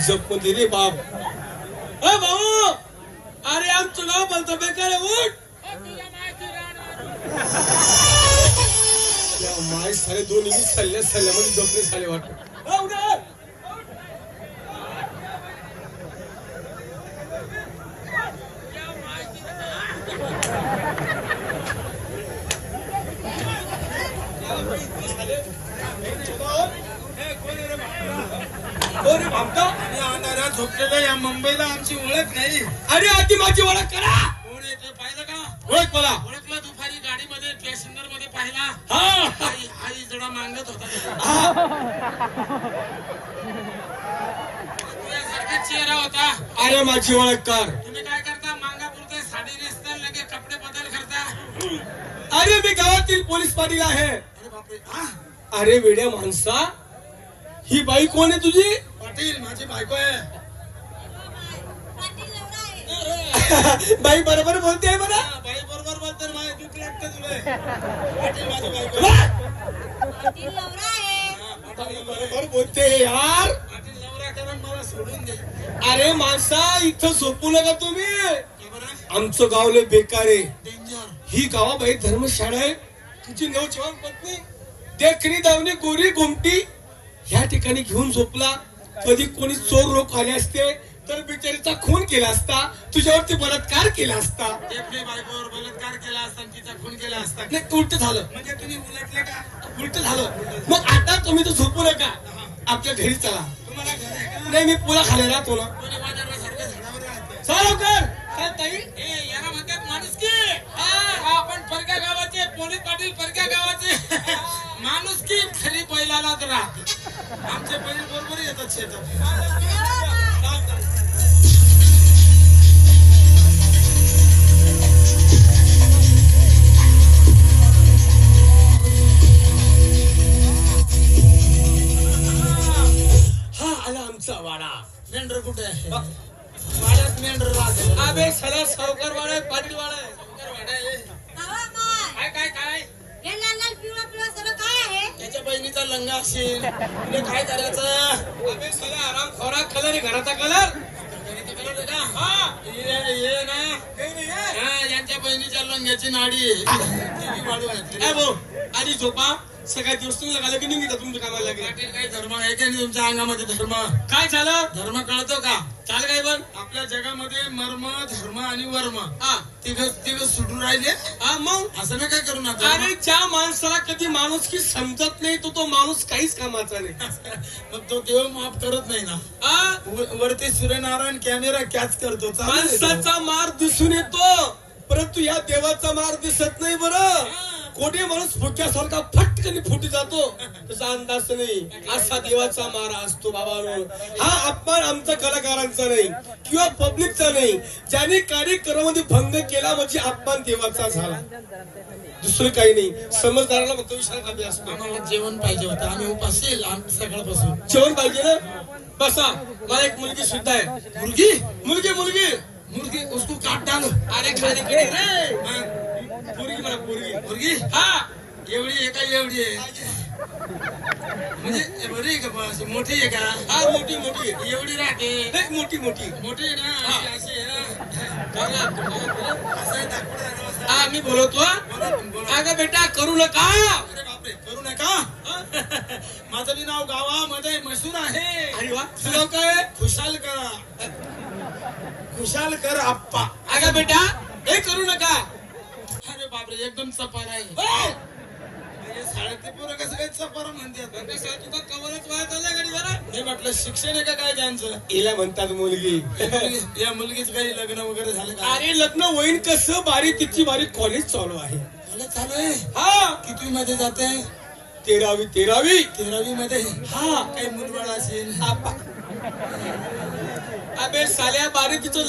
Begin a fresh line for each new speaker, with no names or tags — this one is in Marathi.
जपमध्ये रे बाप. अ भाऊ, अरे आमचं गाव बोलतो बेकार उठ. माय साले दोन इंग्लिश सल्ल्यामध्ये जपले साले वाटत.
झोपलेलं या मुंबईला आमची ओळख नाही.
अरे आधी माझी ओळख करा.
कोण येते पाहिलं का?
ओळख मला.
ओळखला दुपारी गाडीमध्ये पॅसेंजर मध्ये पाहिला.
हा
आई जरा मागत होता. तुझ्यासारखा चेहरा होता.
अरे माझी ओळख कर.
तुम्ही काय करता? मांगा पुरते साडी नेसता लगे कपडे बदल करता.
अरे मी गावातील पोलीस पाटील आहे.
अरे बापरे.
अरे वेड्या माणसा, ही बाई कोण आहे तुझी?
पाटील माझी बायको आहे.
बाई बरोबर बोलते आहे बरं.
बाई बरोबर बोलते. माझी दुःख लागते तुला. पाटील माझी बायको.
बरोबर बोलते यार.
पाटील नवरा करून मला सोडून दे.
अरे माणसा, इथं झोपू नका तुम्ही.
का बरं?
आमचं गाव लय बेकार आहे.
डेंजर.
ही गावाबाई धर्मशाळा आहे. तुझी नवजवान पत्नी देखणी दावणी गोरी गोमटी ह्या ठिकाणी घेऊन झोपला. कधी कोणी चोर लोक आले असते तर बिचारीचा खून केला असता, तुझ्यावरती बलात्कार केला असता.
आपली बायकोवर बलात्कार केला असता, तिचा खून केला असता.
नाही, उलट झालं.
म्हणजे तुम्ही उलटले का?
उलट झालं. मग आता तुम्ही तर झोपू नका, आपल्या घरी चला.
तुम्हाला घर आहे का?
नाही, मी पुला खाली राहतो ना.
कोणी वादळासारखं झाडावर राहते.
चला लवकर. काय ताई?
ए याला म्हणतात माणुसकी. आपण परक्या गावाचे पोलीस पाटील, परक्या गावाचे. माणुसकी खरी बैलालाच राहते. आमचे बैल बरोबर येतात शेतात.
हा आला आमचा वाडा.
मेंढर कुठे आहे? वाड्यात मेंढर राहते.
अबे सला सावकार वाडा आहे, पाटील वाडा आहे.
वाडा आहे. काय काय काय?
हे लाल लाल पिवळा पिवळा सगळं काय आहे?
त्याच्या बहिणीचा लंगा असेल. तुला काय करायचं?
अबे सला आराम खोरा कलर आहे, घराचा कलर.
ये ना. यांच्या बहिणीच्या लंग्याची नाडी आहे.
काय भाऊ, आधी झोपा. सगळ्या दिवस तुम्ही लागला की निघता तुमच्या कामाला लागेल.
पाटील काही धर्म आहे का नाही तुमच्या अंगामध्ये? धर्म
काय झालं?
धर्म कळतो का?
चाल काय पण
आपल्या जगामध्ये मर्म, धर्म आणि वर्म
हा
तिघ सुटून राहिले.
हा मग
असं ना काय करू नका.
अरे ज्या माणसाला कधी माणूस की समजत नाही तो माणूस काहीच कामाचा नाही.
मग तो देव माफ करत नाही ना.
हा
वरती सूर्यनारायण कॅमेरा कॅच करतो.
माणसाचा मार दिसून येतो, परंतु या देवाचा मार दिसत नाही. बरं, कोणी माणूस फुटल्यासारखा फटकन फुटी जातो, त्याचा अंदाज नाही. असा देवाचा मार असतो बाबांनो. हा अपमान आमचा कलाकारांचा नाही किंवा पब्लिकचा नाही. ज्याने कार्यक्रमामध्ये भंग केला म्हणजे अपमान देवाचा झाला, दुसरं काही नाही. समजदाराला फक्त विश्रांत हवी असतो.
आम्हाला जेवण पाहिजे होतं. आम्ही उपासेल सकाळपासून.
जेवण पाहिजे ना. बसा, मला एक मुलगी सुद्धा आहे.
मुलगी
मुलगी मुलगी
मुलगी उसको काट डालो.
अरे खाली कडे रे. पोरगी म्हणा, पोरगी.
मुलगी
हा
एवढी आहे का? एवढी आहे म्हणजे बरी आहे का? बस मोठी आहे का?
हा मोठी मोठी आहे.
एवढी राहते.
नाही, मोठी मोठी.
मोठी आहे ना. अशी आहे ना. असं आहे दाखवलं.
हा मी बोलवतो. अगं बेटा करू नका.
अरे बापरे, करू नका. माझं बी नाव गावामध्ये मशहूर आहे.
अरे वा, तुझं काय?
खुशालकर. खुशालकर आप्पा.
अगं बेटा हे करू नका.
अरे बापरे, एकदम चपार आहे.
हो.
शाळेतले पोरं कसं काय चपार म्हणतात?
तुका कवरच वाहत आला गाडी जरा.
मी म्हटलं शिक्षण आहे का काय त्यांचं?
हिला म्हणतात मुलगी.
या मुलगीच काही लग्न वगैरे झालं का?
अरे लग्न होईन कसं? बारी तिची बारी कॉलेज चालू आहे.
चालू आहे.
हा
कितवी मध्ये जाते?
13वी 13वी.
13वी मध्ये.
हा
काही मुलबाळ असेल.
अबे साल्या बारी तिचं